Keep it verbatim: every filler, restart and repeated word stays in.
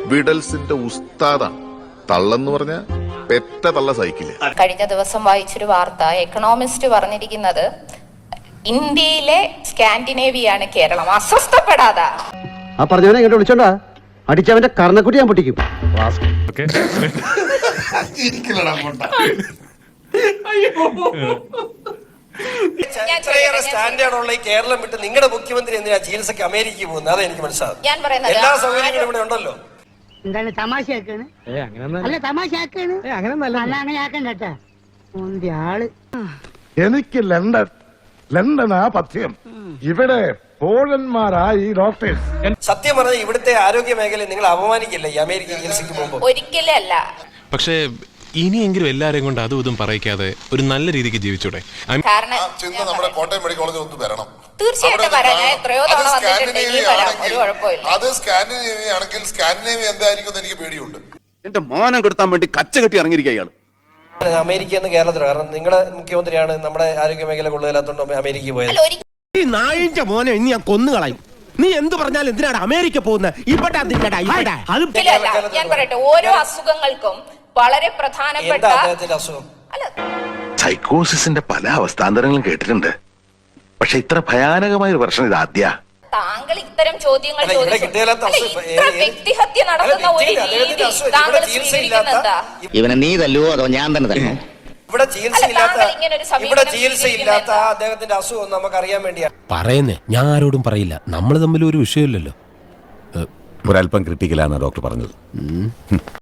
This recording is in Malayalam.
വിഡൽസിന്റെ ഉസ്താദാണ്. തള്ളെന്ന് പറഞ്ഞ പെറ്റ തള്ള സൈക്കിള്. കഴിഞ്ഞ ദിവസം വായിച്ചൊരു വാർത്ത, എക്കണോമിസ്റ്റ് പറഞ്ഞിരിക്കുന്നത് ഇന്ത്യയിലെ സ്കാൻഡിനേവിയാണ് കേരളം. അസ്വസ്ഥപ്പെടാതെ ആ പറഞ്ഞവനെ ഇങ്ങോട്ട് വിളിച്ചോണ്ടാ അടിച്ചവന്റെ കർണക്കുട്ടി ഞാൻ പൊട്ടിക്കും. ഇത്രയേറെ സ്റ്റാൻഡേർഡുള്ള ഈ കേരളം വിട്ട് നിങ്ങളുടെ മുഖ്യമന്ത്രി എന്തിനാ ചികിത്സക്ക് അമേരിക്കയിൽ പോകുന്നത്? അതെ എനിക്ക് മനസ്സിലാവും. ഞാൻ പറയുന്നത് എല്ലാ സൗകര്യങ്ങളും ഇവിടെ ഉണ്ടല്ലോ. എന്താണ് തമാശയാക്കാണ്? അല്ല തമാശയാക്കാണ്, അങ്ങനെ ആക്കണ്ട കേട്ടാ. ആള് എനിക്ക് ലണ്ടൻ ലണ്ടനാ പഥ്യം. ഇവിടെ പോളന്മാരാ ഈ ഡോക്ടേഴ്സ്. സത്യം പറഞ്ഞാൽ ഇവിടുത്തെ ആരോഗ്യ മേഖലയെ നിങ്ങൾ അപമാനിക്കില്ല ഈ അമേരിക്ക ചികിത്സയ്ക്ക് പോകുമ്പോൾ? ഒരിക്കലും അല്ല. പക്ഷേ ഇനിയെങ്കിലും എല്ലാരെയും കൊണ്ട് അതും ഇതും പറയിക്കാതെ ഒരു നല്ല രീതിക്ക് ജീവിച്ചൂടെ? കാരണം നമ്മുടെ കോട്ടയം മെഡിക്കൽ കോളേജിൽ ഒന്ന് വരണം. തീർച്ചയായിട്ടും വരാം. ഞാൻ എത്രയോ തവണ വന്നിട്ടുണ്ടെങ്കിൽ വരാം, ഒരു കുഴപ്പമില്ല. അത് സ്കാൻഡിനേവിയ ആണെങ്കിൽ സ്കാൻഡിനേവിയ എന്തായിരിക്കും എനിക്ക് പേടിയുണ്ട്. എന്റെ മാനം കെടുത്താൻ വേണ്ടി കച്ച കെട്ടി ഇറങ്ങിയിരിക്കുക ഇയാൾ. അമേരിക്ക എന്ന് കേരളത്തിൽ, കാരണം നിങ്ങളുടെ മുഖ്യമന്ത്രിയാണ് നമ്മുടെ ആരോഗ്യ മേഖല കൊള്ളുകയില്ലാത്തോണ്ട് അമേരിക്കയിൽ പോയത്. ഈ നായിന്റെ മോനെ ഇനി ഞാൻ കൊന്നുകളയും. നീ എന്ത് പറഞ്ഞാലും എന്തിനാണ് അമേരിക്ക പോകുന്നത്? ഇവിടെ ഞാൻ പറയട്ടെ, ഓരോ അസുഖങ്ങൾക്കും വളരെ പ്രധാനപ്പെട്ട അസുഖം സൈക്കോസിന്റെ പല അവസ്ഥാന്തരങ്ങളും കേട്ടിട്ടുണ്ട്, പക്ഷെ ഇത്ര ഭയാനകമായ ഒരു പ്രശ്നം ഇത് ആദ്യ. താങ്കൾ ഇത്തരം ചോദ്യങ്ങൾ വ്യക്തിഹത്യ നടത്തുന്ന ഒരു രീതി താങ്കൾ സ്വീകരിക്കുന്നത്. ഇവനെ നീ തല്ലുവോ അതോ ഞാൻ തന്നെ തല്ലോ? ഇവിടെ ചികിത്സയില്ലാത്ത ഇവിടെ ചികിത്സയില്ലാത്ത അദ്ദേഹത്തിന്റെ അസുഖം നമുക്ക് അറിയാൻ വേണ്ടിയാണ് പറയുന്നേ. ഞാൻ ആരോടും പറയില്ല, നമ്മൾ തമ്മിൽ ഒരു വിഷയമില്ലല്ലോ. ഒരല്പം ക്രിട്ടിക്കലാണ് ഡോക്ടർ പറഞ്ഞത്.